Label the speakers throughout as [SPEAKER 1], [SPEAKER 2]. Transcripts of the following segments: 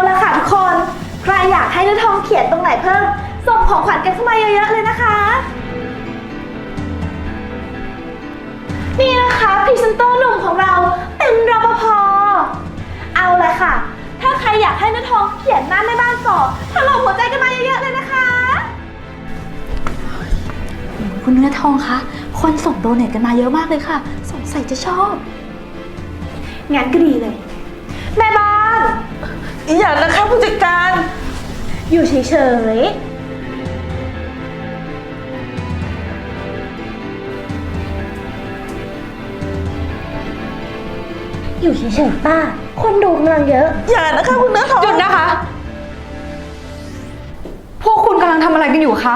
[SPEAKER 1] ละค่ะทุกคน ใครอยากให้เนื้อทองเขียนตรงไหนเพิ่ม ส่งของขวัญกันเข้ามาเยอะๆเลยนะคะ นี่นะคะพรีเซนเตอร์หนุ่มของเราเป็นรปภเอาเลยค่ะ ถ้าใครอยากให้เนื้อทองเขียนหน้าแม่บ้านต่อถล่มหัวใจกันมาเยอะๆเลยนะคะ
[SPEAKER 2] คุณเนื้อทองคะคนส่งโดเนทกันมาเยอะมากเลยค่ะสงสัยจะชอบ
[SPEAKER 1] งั้นก็ดีเลย แม่บ้าน
[SPEAKER 3] อย่านะคะผู้จัดการ
[SPEAKER 1] อยู่เฉยๆอยู่เฉยๆป้า คนดูกำลังเยอะ
[SPEAKER 3] อย่านะคะคุณเนื้อทอง
[SPEAKER 4] หยุดนะคะ พวกคุณกำลังทำอะไรกันอยู่คะ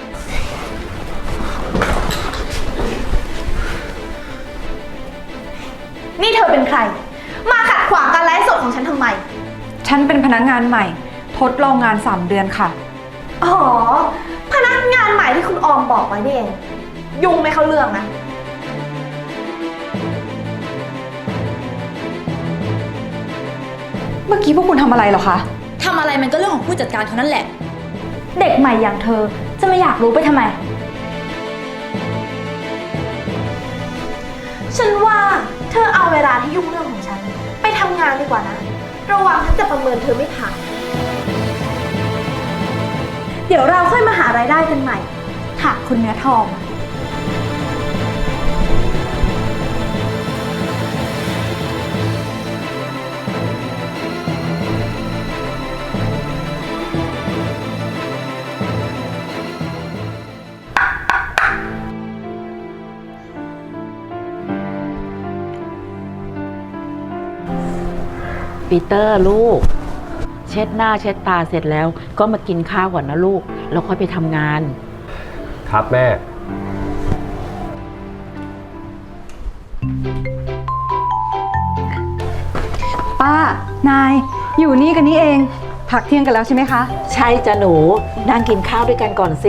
[SPEAKER 1] นี่เธอเป็นใคร มาขัดขวางการไลฟ์สดของฉันทำไม
[SPEAKER 4] ฉันเป็นพนักงานใหม่ ทดลองงาน3 เดือนค่ะ
[SPEAKER 1] อ๋อ พนักงานใหม่ที่คุณออมบอกไว้นี่เอง ยุ่งไม่เข้าเรื่องนะ
[SPEAKER 4] เมื่อกี้พวกคุณทำอะไรเหรอคะ
[SPEAKER 2] ทำอะไรมันก็เรื่องของผู้จัดการเขานั่นแหละ เด็กใหม่อย่างเธอจะไม่อยากรู้ไปทำไม
[SPEAKER 1] ฉันว่าเธอเอาเวลาที่ยุ่งเรื่องของฉัน ไปทำงานดีกว่านะ ระวังฉันจะประเมินเธอไม่ผ่าน เดี๋ยวเราค่อยมาหารายได้กันใหม่ ค่ะคุณเนื้อทอง
[SPEAKER 5] ปีเตอร์ลูก เช็ดหน้าเช็ดตาเสร็จแล้วก็มากินข้าวก่อนนะลูกแล้วค่อยไปทำงาน
[SPEAKER 6] ครับแม่
[SPEAKER 4] ป้า นาย อยู่นี่กันนี่เอง พักเที่ยงกันแล้วใช่ไหมคะ
[SPEAKER 5] ใช่จ้ะหนูนั่งกินข้าวด้วยกันก่อนสิ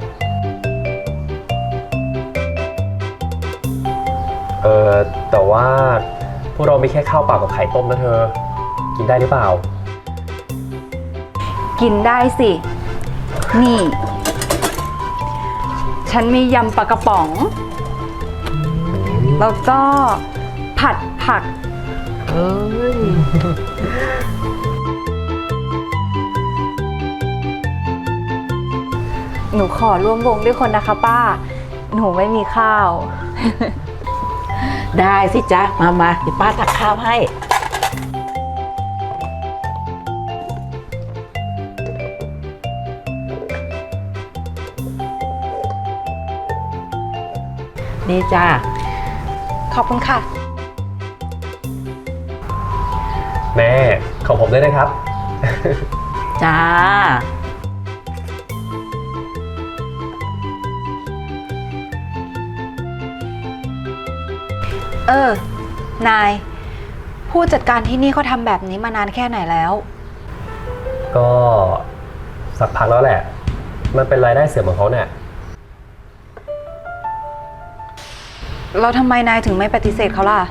[SPEAKER 6] แต่ว่าพวกเราไม่แค่ข้าวเปล่ากับไข่ต้มนะเธอ กินได้หรือเปล่า
[SPEAKER 4] กินได้สิ นี่ ฉันมียำปลากระป๋อง แล้วก็ผัดผัก
[SPEAKER 5] เอ้ย
[SPEAKER 4] หนูขอร่วมวงด้วยคนนะคะป้า หนูไม่มีข้าว
[SPEAKER 5] ได้สิจ๊ะมาเดี๋ยวป้าตักข้าวให้นี่จ้า
[SPEAKER 4] ขอบคุณค่ะ
[SPEAKER 6] แม่ของผมด้วยนะครับ
[SPEAKER 5] จ้า
[SPEAKER 4] นาย ผู้จัดการที่นี่เขาทำแบบนี้มานานแค่ไหนแล้ว
[SPEAKER 6] ก็สักพักแล้วแหละ มันเป็นรายได้เสริมของเขาเนี่ย
[SPEAKER 4] เราทำไมนายถึงไม่ปฏิเสธเขาล่ะ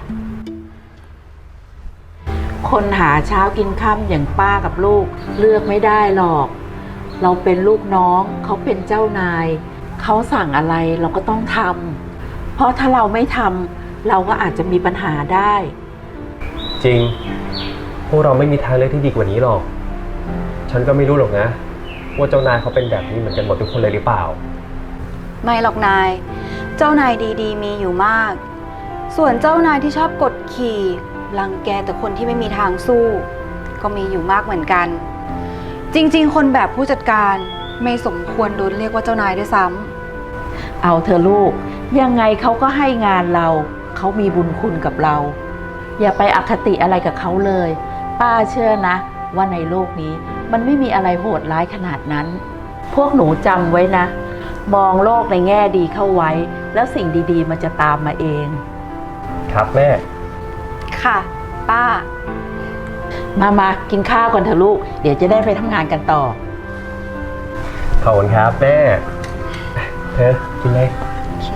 [SPEAKER 5] คนหาเช้ากินค่ำอย่างป้ากับลูกเลือกไม่ได้หรอก เราเป็นลูกน้องเขาเป็นเจ้านาย เขาสั่งอะไรเราก็ต้องทำเพราะถ้าเราไม่ทำเราก็อาจจะมีปัญหาได้
[SPEAKER 6] จริง พวกเราไม่มีทางเลือกที่ดีกว่านี้หรอก ฉันก็ไม่รู้หรอกนะ ว่าเจ้านายเขาเป็นแบบนี้เหมือนกันหมดทุกคนเลยหรือเปล่า
[SPEAKER 4] ไม่หรอกนาย เจ้านายดีๆมีอยู่มาก ส่วนเจ้านายที่ชอบกดขี่รังแกแต่คนที่ไม่มีทางสู้ ก็มีอยู่มากเหมือนกัน จริงๆ คนแบบผู้จัดการไม่สมควรโดนเรียกว่าเจ้านายด้วยซ้ำ
[SPEAKER 5] เอาเธอะลูกยังไงเขาก็ให้งานเราเขามีบุญคุณกับเรา อย่าไปอคติอะไรกับเขาเลย ป้าเชื่อนะว่าในโลกนี้มันไม่มีอะไรโหดร้ายขนาดนั้น พวกหนูจำไว้นะ มองโลกในแง่ดีเข้าไว้ แล้วสิ่งดีๆมันจะตามมาเอง
[SPEAKER 6] ครับแม่
[SPEAKER 4] ค่ะ ป้า
[SPEAKER 5] มากินข้าวก่อนเถอะลูกเดี๋ยวจะได้ไปทำงานกันต่อ
[SPEAKER 6] ขอบคุณครับแม่ เธอกินเลย
[SPEAKER 4] โอเค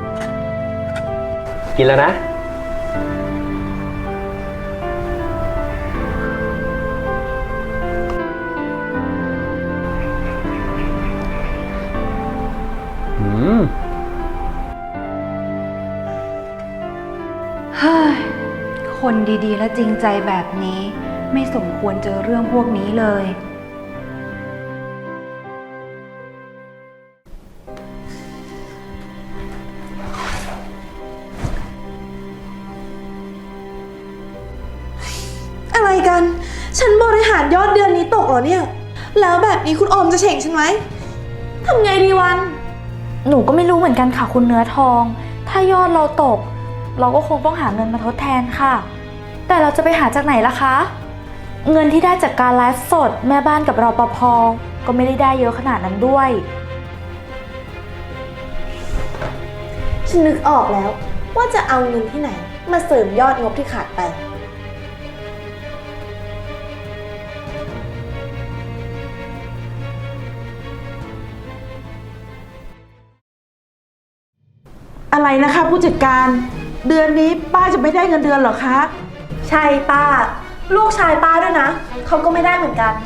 [SPEAKER 6] กินแล้วนะ
[SPEAKER 4] คนดีๆ และจริงใจแบบนี้ ไม่สมควรเจอเรื่องพวกนี้เลย
[SPEAKER 1] อะไรกัน ฉันบริหารยอดเดือนนี้ตกเหรอเนี่ย แล้วแบบนี้คุณออมจะเฉ่งฉันไหมทำไงดีวัน
[SPEAKER 2] หนูก็ไม่รู้เหมือนกันค่ะคุณเนื้อทอง ถ้ายอดเราตก เราก็คงต้องหาเงินมาทดแทนค่ะ แต่เราจะไปหาจากไหนล่ะคะ เงินที่ได้จากการไลฟ์สดแม่บ้านกับรปภก็ไม่ได้เยอะขนาดนั้นด้วย
[SPEAKER 1] ฉันนึกออกแล้วว่าจะเอาเงินที่ไหน มาเสริมยอดงบที่ขาดไป
[SPEAKER 3] อะไรนะคะผู้จัดการ เดือนนี้ป้าจะไม่ได้เงินเดือนเหรอคะ
[SPEAKER 1] ใช่ป้า ลูกชายป้าด้วยนะ เขาก็ไม่ได้เหมือนกัน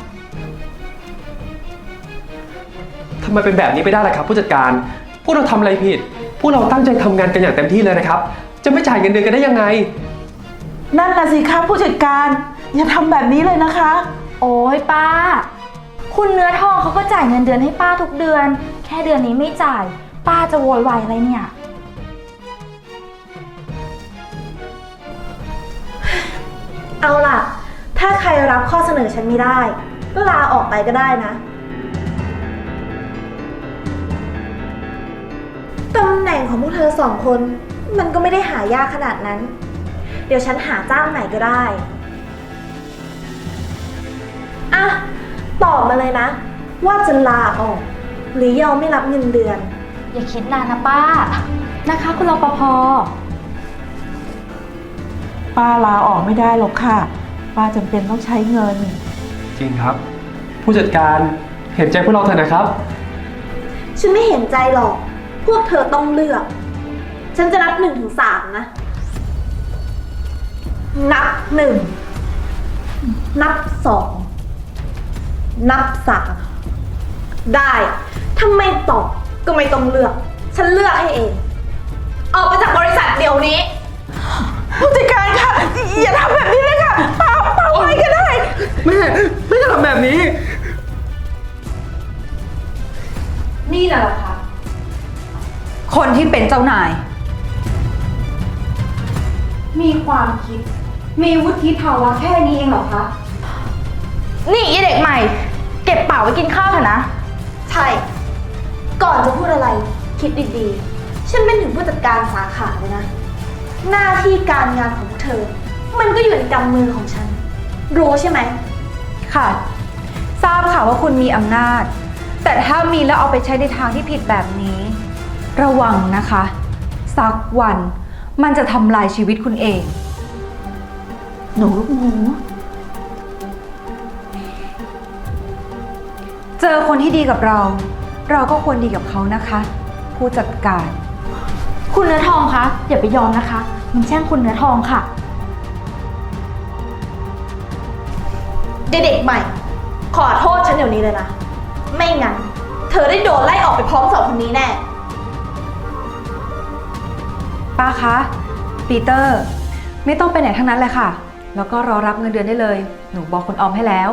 [SPEAKER 6] ทำไมเป็นแบบนี้ไปได้ล่ะครับผู้จัดการ พวกเราทำอะไรผิด พวกเราตั้งใจทำงานกันอย่างเต็มที่เลยนะครับ จะไม่จ่ายเงินเดือนกันได้ยังไง
[SPEAKER 3] นั่นน่ะสิคะผู้จัดการ อย่าทำแบบนี้เลยนะคะ
[SPEAKER 2] โอ้ยป้า คุณเนื้อทองเขาก็จ่ายเงินเดือนให้ป้าทุกเดือน แค่เดือนนี้ไม่จ่าย ป้าจะโวยวายอะไรเนี่ย
[SPEAKER 1] เอาล่ะ ถ้าใครรับข้อเสนอฉันไม่ได้ ก็ลาออกไปก็ได้นะตำแหน่งของพวกเธอสองคน มันก็ไม่ได้หายากขนาดนั้น เดี๋ยวฉันหาจ้างใหม่ก็ได้อ่ะตอบมาเลยนะ ว่าจะลาออก หรือยอมไม่รับเงินเดือน
[SPEAKER 2] อย่าคิดนานนะป้า นะคะคุณรปภ
[SPEAKER 3] ป้าลาออกไม่ได้หรอกค่ะ ป้าจำเป็นต้องใช้เงิน
[SPEAKER 6] จริงครับ ผู้จัดการเห็นใจพวกเราเถอะนะครับ
[SPEAKER 1] ฉันไม่เห็นใจหรอก พวกเธอต้องเลือก ฉันจะนับ1 ถึง 3นะ นับ 1 นับ 2 นับ 3 ได้ ถ้าไม่ตอบก็ไม่ต้องเลือก ฉันเลือกให้เอง ออกไปจากบริษัทเดี๋ยวนี้
[SPEAKER 3] ผู้จัดการค่ะ อย่าทำแบบนี้เลยค่ะป้าไว้ก็ได้
[SPEAKER 6] ไม่จะทำแบบนี้
[SPEAKER 4] นี่แหละค่ะ คนที่เป็นเจ้านาย มีความคิด มีวุฒิภาวะแค่นี้เองเหรอคะ
[SPEAKER 2] นี่ไอเด็กใหม่ เก็บเป๋าไว้กินข้าวเถอะนะ
[SPEAKER 1] ใช่ ก่อนจะพูดอะไร คิดดีๆ ฉันเป็นถึงผู้จัดการสาขาเลยนะ หน้าที่การงานของพวกเธอ มันก็อยู่ในกำมือของฉัน รู้ใช่ไหม
[SPEAKER 4] ค่ะ ทราบค่ะว่าคุณมีอำนาจ แต่ถ้ามีแล้วเอาไปใช้ในทางที่ผิดแบบนี้ ระวังนะคะ สักวันมันจะทำลายชีวิตคุณเอง
[SPEAKER 3] หนูลูกหมู
[SPEAKER 4] เจอคนที่ดีกับเรา เราก็ควรดีกับเขานะคะ ผู้จัดการ
[SPEAKER 2] คุณเนื้อทองคะ อย่าไปยอมนะคะ มันแช่งคุณเนื้อทองค่ะ
[SPEAKER 1] เด็กๆใหม่ ขอโทษฉันเดี๋ยวนี้เลยนะ ไม่งั้น เธอได้โดนไล่ออกไปพร้อมสองคนนี้แน่
[SPEAKER 4] ป้าคะ ปีเตอร์ ไม่ต้องไปไหนทั้งนั้นเลยค่ะ แล้วก็รอรับเงินเดือนได้เลย หนูบอกคุณออมให้แล้ว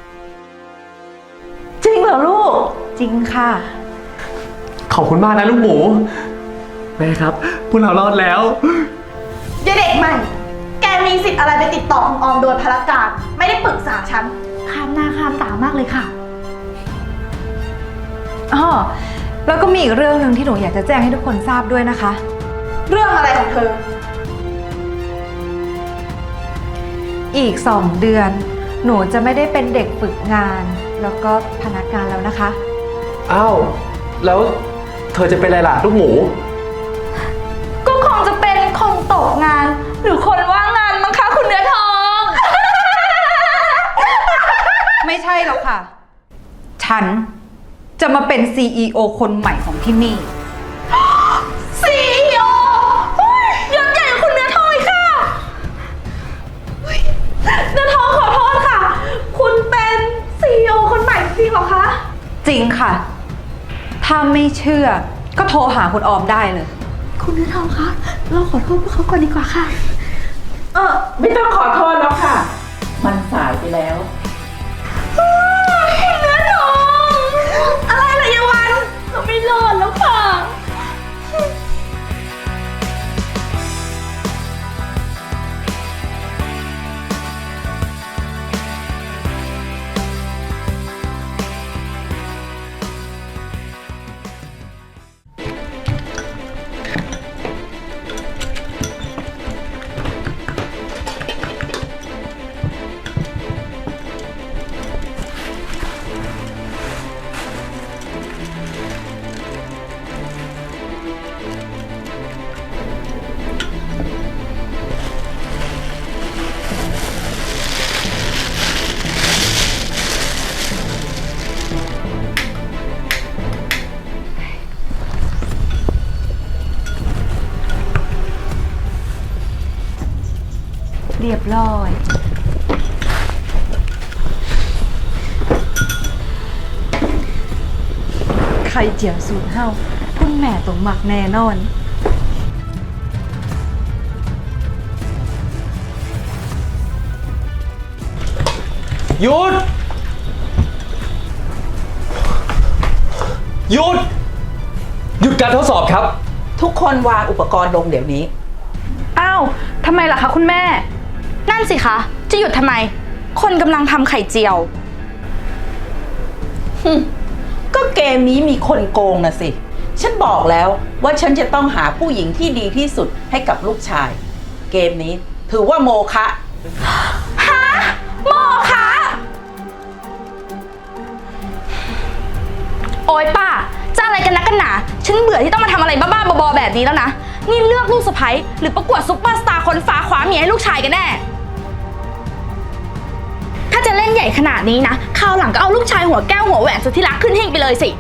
[SPEAKER 3] จริงเหรอลูก
[SPEAKER 4] จริงค่ะ
[SPEAKER 6] ขอบคุณมากนะลูกหมู แม่ครับ พวกเรารอดแล้ว
[SPEAKER 1] เด็กๆใหม่ แกมีสิทธิ์อะไรไปติดต่อคุณออมโดยพลการ ไม่ได้ปรึกษาฉัน
[SPEAKER 2] ข้ามหน้าข้ามตามากเลยค่ะ
[SPEAKER 4] อ๋อ แล้วก็มีอีกเรื่องหนึ่งที่หนูอยากจะแจ้งให้ทุกคนทราบด้วยนะคะ
[SPEAKER 1] เรื่องอะไรของเธอ
[SPEAKER 4] อีก 2 เดือน หนูจะไม่ได้เป็นเด็กฝึกงาน แล้วก็พนักงานแล้วนะคะ
[SPEAKER 6] อ้าว แล้วเธอจะเป็นอะไรล่ะลูกหมู
[SPEAKER 2] ก็คงจะเป็นคนตกงาน หรือคนว่างงานมั้งคะคุณเนื้อทอง
[SPEAKER 4] ไม่ใช่หรอกค่ะ ฉันจะมาเป็น CEO คนใหม่ของที่นี่
[SPEAKER 1] CEO ยศใหญ่กว่าคุณเนื้อทองอีกค่ะเฮ้ยเนื้อทองขอโทษค่ะ คุณเป็น CEO คนใหม่จริงเหรอคะ
[SPEAKER 4] จริงค่ะ ถ้าไม่เชื่อก็โทรหาคุณออมได้เลย
[SPEAKER 2] คุณเนื้อทองคะ เราขอโทษพวกเขาก่อนดีกว่าค่ะ
[SPEAKER 3] ไม่ต้องขอโทษแล้วค่ะ มันสายไปแล้ว
[SPEAKER 1] เนื้อทองอะไรล่ะยายวันเราไม่รอดแล้วค่ะ
[SPEAKER 4] เรียบร้อย ไข่เจียวสูตรเฮาคุณแม่ต้องหมักแน่นอน
[SPEAKER 6] หยุด หยุด หยุดการทดสอบครับ
[SPEAKER 3] ทุกคนวางอุปกรณ์ลงเดี๋ยวนี้
[SPEAKER 2] อ้าวทำไมล่ะคะคุณแม่ นั่นสิคะ จะหยุดทำไม คนกำลังทำไข่เจียว
[SPEAKER 3] ก็เกมนี้มีคนโกงนะสิ ฉันบอกแล้วว่าฉันจะต้องหาผู้หญิงที่ดีที่สุดให้กับลูกชาย เกมนี้ถือว่าโมฆะ
[SPEAKER 2] โมคะโอ๊ยป้า จะอะไรกันนักกันหนา ฉันเบื่อที่ต้องมาทำอะไรบ้าๆบอๆแบบนี้แล้วนะ นี่เลือกลูกสะใภ้หรือประกวดซุปเปอร์สตาร์คนฟ้าคว้าเมียให้ลูกชายกันแน่ ถ้าจะเล่นใหญ่ขนาดนี้นะ คราวหลังก็เอาลูกชายหัวแก้วหัวแหวนสุดที่รักขึ้นหิ้งไปเลยสิ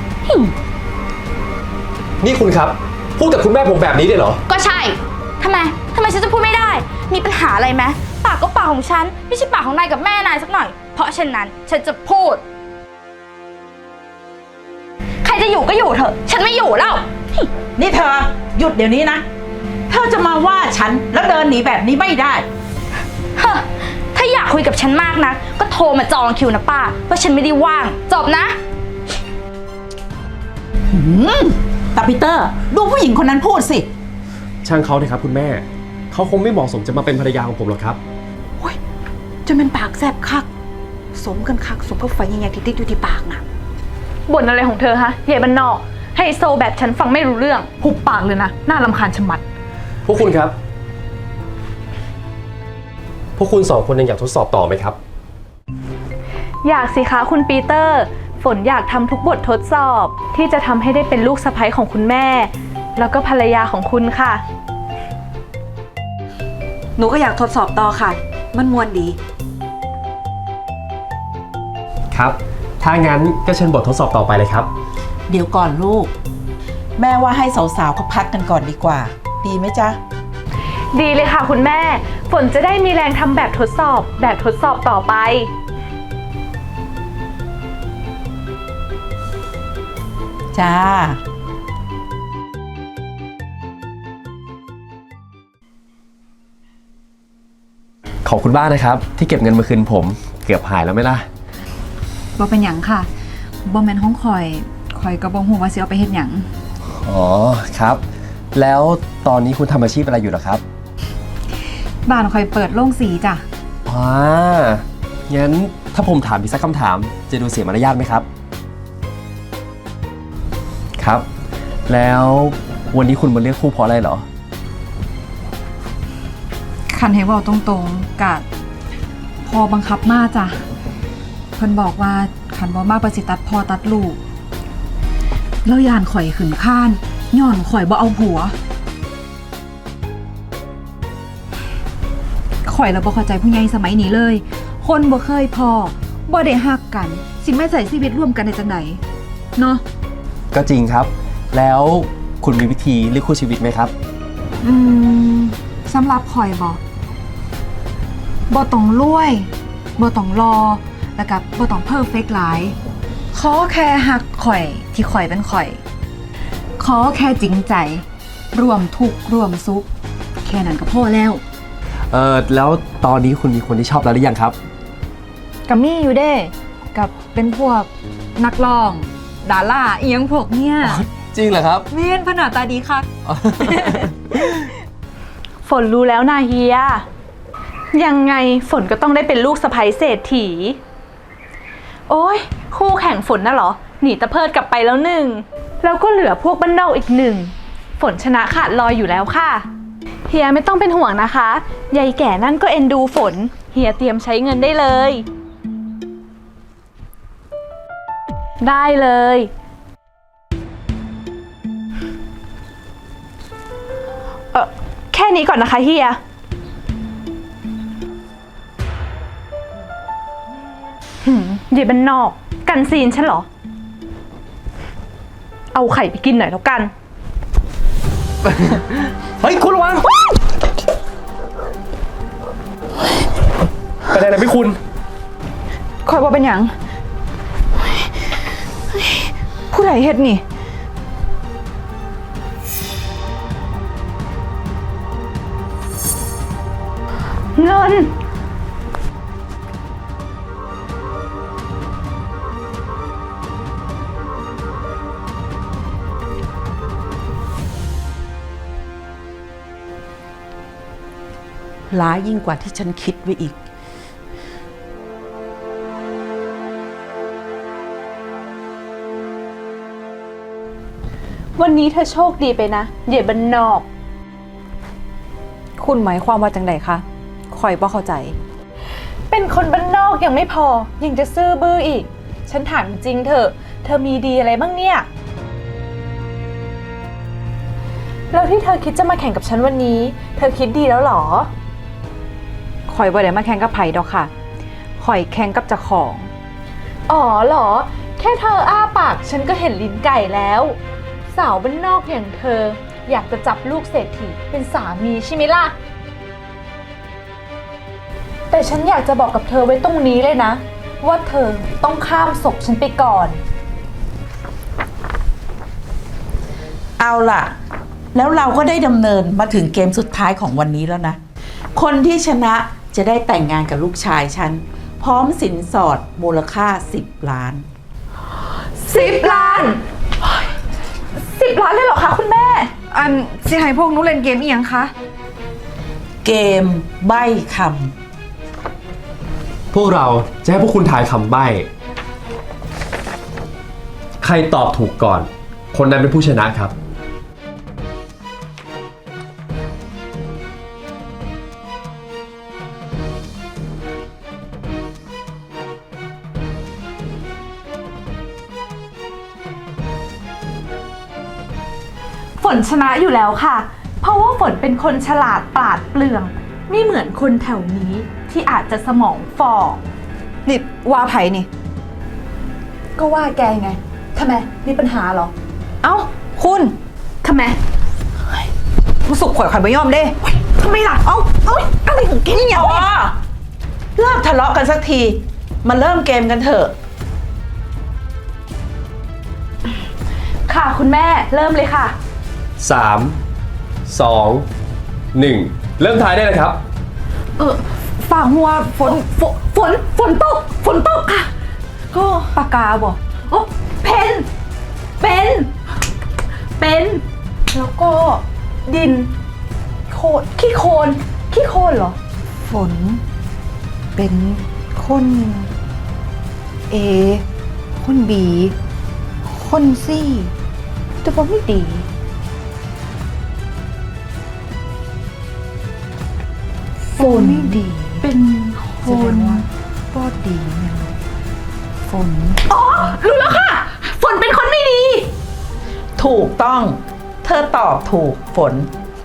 [SPEAKER 6] นี่คุณครับ พูดกับคุณแม่ผมแบบนี้ได้เหรอ
[SPEAKER 2] ก็ใช่ ทำไมฉันจะพูดไม่ได้ มีปัญหาอะไรไหมปากก็ปากของฉัน ไม่ใช่ปากของนายกับแม่นายสักหน่อย เพราะฉะนั้นฉันจะพูด ใครจะอยู่ก็อยู่เถอะ ฉันไม่อยู่แล้ว
[SPEAKER 3] นี่เธอหยุดเดี๋ยวนี้นะ เธอจะมาว่าฉันแล้วเดินหนีแบบนี้ไม่ได้
[SPEAKER 2] ฮะ ถ้าอยากคุยกับฉันมากนะ ก็โทรมาจองคิวนะป้าว่าฉันไม่ได้ว่าง จบนะ
[SPEAKER 3] ตาปีเตอร์ ดูผู้หญิงคนนั้นพูดสิ
[SPEAKER 6] ช่างเขาเถอะครับคุณแม่ เขาคงไม่เหมาะสมจะมาเป็นภรรยาของผมหรอกครับ
[SPEAKER 4] จะเป็นปากแสบคัก สมกันคัก สมกับไฟยังไงที่ติดอยู่ที่ปากน่ะ
[SPEAKER 7] บ่นอะไรของเธอฮะใหญ่บ้านนอกไฮโซแบบฉันฟังไม่รู้เรื่องหุบปากเลยนะ น่ารำคาญชะมัด
[SPEAKER 6] พวกคุณครับ พวกคุณสองคนยังอยากทดสอบต่อไหมครับ
[SPEAKER 7] อยากสิคะคุณปีเตอร์ ฝนอยากทำทุกบททดสอบ ที่จะทำให้ได้เป็นลูกสะใภ้ของคุณแม่ แล้วก็ภรรยาของคุณค่ะ
[SPEAKER 4] หนูก็อยากทดสอบต่อค่ะ มันมวนดี
[SPEAKER 6] ครับ ถ้างั้นก็เชิญบททดสอบต่อไปเลยครับ
[SPEAKER 3] เดี๋ยวก่อนลูก แม่ว่าให้สาวๆเขาพักกันก่อนดีกว่า ดีไหมจ๊ะ
[SPEAKER 7] ดีเลยค่ะคุณแม่ ฝนจะได้มีแรงทำแบบทดสอบต่อไป
[SPEAKER 3] จ้า
[SPEAKER 6] ขอบคุณบ้านนะครับ ที่เก็บเงินมาคืนผม เกือบหายแล้วไหมล่ะ
[SPEAKER 4] บ่เป็นหยังค่ะบ่แม่นห้องข่อยก็บ่ฮู้ว่าสิเอาไปเฮ็ดหยัง
[SPEAKER 6] อ๋อครับ แล้วตอนนี้คุณทำอาชีพอะไรอยู่เหรอครับ
[SPEAKER 4] บ้านข่อยเปิดโรงสีจ้ะ
[SPEAKER 6] อ๋องั้นถ้าผมถามอีกสักคำถาม จะดูเสียมารยาทไหมครับ ครับ แล้ววันนี้คุณมาเลือกคู่เพราะอะไรเหรอ
[SPEAKER 4] คันให้เว้าตรงๆกะพอบังคับมาจ้ะเพิ่นบอกว่าคันบ่มาประสิตัดพ่อตัดลูกแล้วยานข่อยขึ้นข้านย้อนข่อยบ่เอาผัวข่อยแล้วบ่เข้าใจผู้ใหญ่สมัยนี้เลย คนบ่เคยพอบ่ได้ฮักกันสิมาใส่ชีวิตร่วมกันได้จังไดเนาะ
[SPEAKER 6] ก็จริงครับ แล้วคุณมีวิธีเลือกคู่ชีวิตไหมครับ
[SPEAKER 4] สำหรับข่อยบ่ต้องรวยบ่ต้องรอแล้วก็บ่ต้องเพอร์เฟกต์หลายขอแค่ฮักข่อยที่ข่อยเป็นข่อย ขอแค่จริงใจร่วมทุกข์ร่วมสุขแค่นั้นก็พอแล้ว
[SPEAKER 8] แล้วตอนนี้คุณมีคนที่ชอบแล้วหรือยังครับ
[SPEAKER 4] กับมี่อยู่เด้กับเป็นพวกนักร้องดาราเอียงพวกเนี่ย
[SPEAKER 8] จริงเหรอครับ
[SPEAKER 4] เม่นพนาตาดีค่ะ
[SPEAKER 7] ฝนรู้แล้วนาเฮีย ยังไงฝนก็ต้องได้เป็นลูกสะใภ้เศรษฐี โอ้ยคู่แข่งฝนน่ะเหรอ หนีตะเพิดกลับไปแล้วหนึ่ง แล้วก็เหลือพวกบ้านนอกอีกหนึ่ง ฝนชนะขาดลอยอยู่แล้วค่ะ เฮียไม่ต้องเป็นห่วงนะคะยายแก่นั่นก็เอ็นดูฝน เฮียเตรียมใช้เงินได้เลย ได้เลย แค่นี้ก่อนนะคะเฮียเดี๋ยวบ้านนอกกันซีนฉันเหรอ เอาไข่ไปกินหน่อยแล้วกัน
[SPEAKER 8] เฮ้ย คุณระวัง
[SPEAKER 6] เป็นอะไรนะพี่คุณ
[SPEAKER 4] คอยว่าเป็นหยังผู้ใดเฮ็ดนี่
[SPEAKER 7] เงิน
[SPEAKER 3] ร้ายยิ่งกว่าที่ฉันคิดไว้อีก
[SPEAKER 7] วันนี้เธอโชคดีไปนะเดี๋ยวบ้านนอก
[SPEAKER 4] คุณหมายความว่าจังไดคะคอยบ่เข้าใจ
[SPEAKER 7] เป็นคนบ้านนอกยังไม่พอ ยังจะซื่อบื้ออีก ฉันถามจริงเถอะเธอมีดีอะไรบ้างเนี่ย แล้วที่เธอคิดจะมาแข่งกับฉันวันนี้ เธอคิดดีแล้วเหรอ
[SPEAKER 4] คอยบ่ได้มาแข่งกับไผดอกค่ะคอยแข่งกับเจ้าของ
[SPEAKER 7] อ๋อเหรอ แค่เธออ้าปากฉันก็เห็นลิ้นไก่แล้ว สาวบ้านนอกอย่างเธอ อยากจะจับลูกเศรษฐีเป็นสามีใช่ไหมล่ะ แต่ฉันอยากจะบอกกับเธอไว้ตรงนี้เลยนะ ว่าเธอต้องข้ามศพฉันไปก่อน
[SPEAKER 3] เอาล่ะ แล้วเราก็ได้ดำเนินมาถึงเกมสุดท้ายของวันนี้แล้วนะ คนที่ชนะจะได้แต่งงานกับลูกชายฉัน พร้อมสินสอดมูลค่า10 ล้าน
[SPEAKER 7] 10 ล้าน 10 ล้านเลยเหรอคะคุณแม่
[SPEAKER 4] อันสิให้พวกหนูเล่นเกมอีหยังคะ
[SPEAKER 3] เกมใบ้ค
[SPEAKER 6] พวกเราจะให้พวกคุณทายคำใบ้ ใครตอบถูกก่อน คนนั้นเป็นผู้ชนะครับ
[SPEAKER 7] ฝนชนะอยู่แล้วค่ะ เพราะว่าฝนเป็นคนฉลาดปราดเปรื่อง ไม่เหมือนคนแถวนี้ที่อาจจะสมองฝ่อ
[SPEAKER 4] นี่ว่าไผนี่
[SPEAKER 7] ก็ว่าแกไง ทำไม มีปัญหาเหรอ
[SPEAKER 4] เอ้า คุณ
[SPEAKER 7] ทำไม
[SPEAKER 4] มาสุกข่อยบ่ยอมเด้
[SPEAKER 7] ทำไมล่ะ
[SPEAKER 4] เอ้าอะไรของแกเนี่ย
[SPEAKER 3] ำอ๋อเลิกทะเลาะกันสักที มาเริ่มเกมกันเถอะ
[SPEAKER 7] ค่ะคุณแม่ เริ่มเลยค่ะ
[SPEAKER 6] 3 2 1 เริ่มทายได้เลยครับ
[SPEAKER 4] ฝ่าหัวฝน
[SPEAKER 7] ฝนตกค่ะ
[SPEAKER 4] ก็ปากกาบ่
[SPEAKER 7] โอ้เพนเป็น แล้วก็ดิน โคลนขี้โคลนเหรอ
[SPEAKER 4] ฝน เป็นคนเอ คนบี คนซี่แต่ว่าไม่ดี ฝนไม่ดี
[SPEAKER 7] เป็นค
[SPEAKER 4] แสด
[SPEAKER 7] น
[SPEAKER 4] งว่าบ่ดีเนี่ยฝน
[SPEAKER 7] อ๋อ รู้แล้วค่ะ ฝนเป็นคนไม่ดี
[SPEAKER 3] ถูกต้อง เธอตอบถูกฝน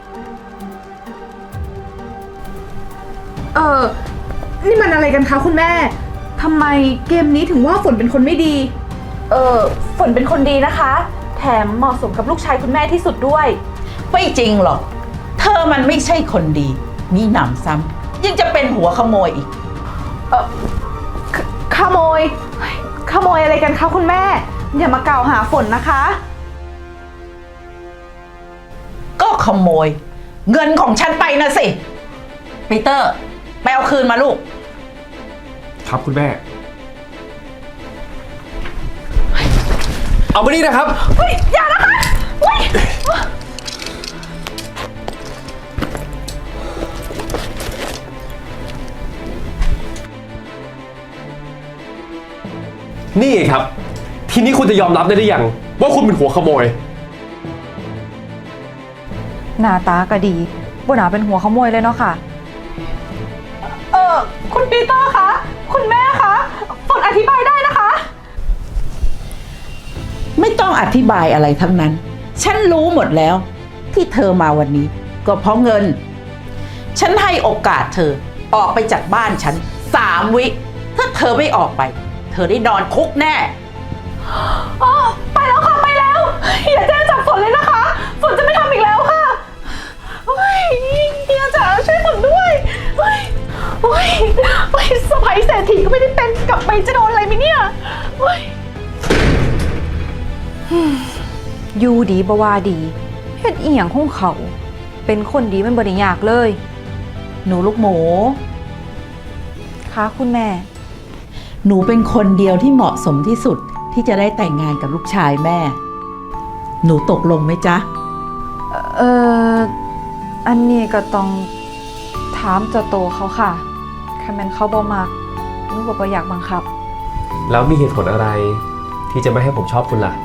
[SPEAKER 7] นี่มันอะไรกันคะคุณแม่ ทำไมเกมนี้ถึงว่าฝนเป็นคนไม่ดี ฝนเป็นคนดีนะคะ แถมเหมาะสมกับลูกชายคุณแม่ที่สุดด้วย
[SPEAKER 3] ไม่จริงหรอก เธอมันไม่ใช่คนดี มีหนำซ้ำยังจะเป็นหัวขโมยอีก
[SPEAKER 7] ขโมยอะไรกันคะคุณแม่ อย่ามากล่าวหาฝนนะคะ
[SPEAKER 3] ก็ขโมย เงินของฉันไปนะสิปีเตอร์ไปเอาคืนมาลูก
[SPEAKER 6] ครับคุณแม่ เอามานี่นะครับ นี่ไงครับ ทีนี้คุณจะยอมรับได้หรือยังว่าคุณเป็นหัวขโมย
[SPEAKER 4] หน้าตาก็ดีบ่น่าเป็นหัวขโมยเลยเนาะค่ะ
[SPEAKER 7] คุณปีเตอร์คะ คุณแม่คะ ฝนอธิบายได้นะคะ
[SPEAKER 3] ไม่ต้องอธิบายอะไรทั้งนั้น ฉันรู้หมดแล้ว ที่เธอมาวันนี้ ก็เพราะเงิน ฉันให้โอกาสเธอออกไปจากบ้านฉัน3 วิ ถ้าเธอไม่ออกไป เธอได้นอนคุกแน่
[SPEAKER 7] ไปแล้วค่ะ ไปแล้ว อย่าแจ้งจับฝนเลยนะคะ ฝนจะไม่ทำอีกแล้วค่ะเฮ้ยเฮียจ๋าช่วยฝนด้วยเฮ้ยเฮ้ยเฮ้ยสะใภ้เศรษฐีก็ไม่ได้เป็นกลับไปจะโดนอะไรไหมเนี่ยเฮ้ย
[SPEAKER 4] อยู่ดีบ่ว่าดีเฮ็ดอีหยังของเขา เป็นคนดีมันบ่ได้ยากเลย
[SPEAKER 3] หนูลูกหมู
[SPEAKER 4] ค่ะคุณแม่
[SPEAKER 3] หนูเป็นคนเดียวที่เหมาะสมที่สุดที่จะได้แต่งงานกับลูกชายแม่ หนูตกลงไหมจ๊ะ
[SPEAKER 4] อันนี้ก็ต้องถามเจ้าโตเขาค่ะคันแม่นเขาบ่มักหนูก็บ่อยากบังคับ
[SPEAKER 6] แล้วมีเหตุผลอะไร ที่จะไม่ให้ผมชอบคุณล่ะ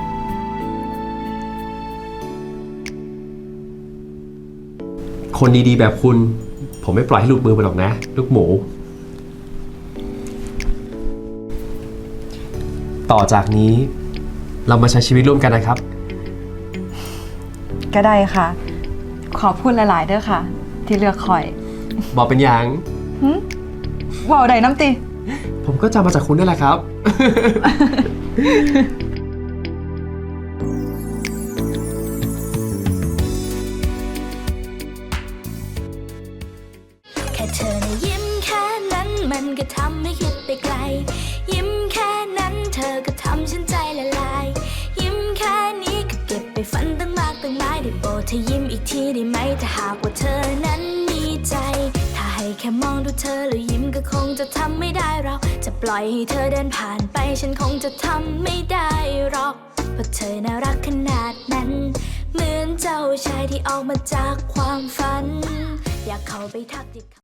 [SPEAKER 6] คนดีๆแบบคุณ ผมไม่ปล่อยให้หลุดมือไปหรอกนะ ลูกหมู ต่อจากนี้เรามาใช้ชีวิตร่วมกันนะครับ
[SPEAKER 4] ก็ได้ค่ะ ขอบคุณหลาย ๆ เด้อค่ะ ที่เลือกคอย
[SPEAKER 6] บอกเป็นอย่าง
[SPEAKER 4] เว้าได้น้ำติ
[SPEAKER 6] ผมก็จำมาจากคุณนั่นแหละครับ
[SPEAKER 9] แค่เธอนะยิ้มแค่นั้นมันก็ทำให้คิดไปไกล ยิ้มแค่นั้นเธอก็ทำฉันใจละลาย ยิ้มแค่นี้ก็เก็บไปฝันตั้งมากตั้งหลายได้โปรดเธอยิ้มอีกทีได้ไหมถ้าหากว่าเธอนั้นมีใจ ถ้าให้แค่มองดูเธอแล้วยิ้มก็คงจะทำไม่ได้เราจะปล่อยให้เธอเดินผ่านไปฉันคงจะทำไม่ได้หรอกเพราะเธอน่ารักขนาดนั้น เหมือนเจ้าชายที่ออกมาจากความฝัน อยากเข้าไปทักทิ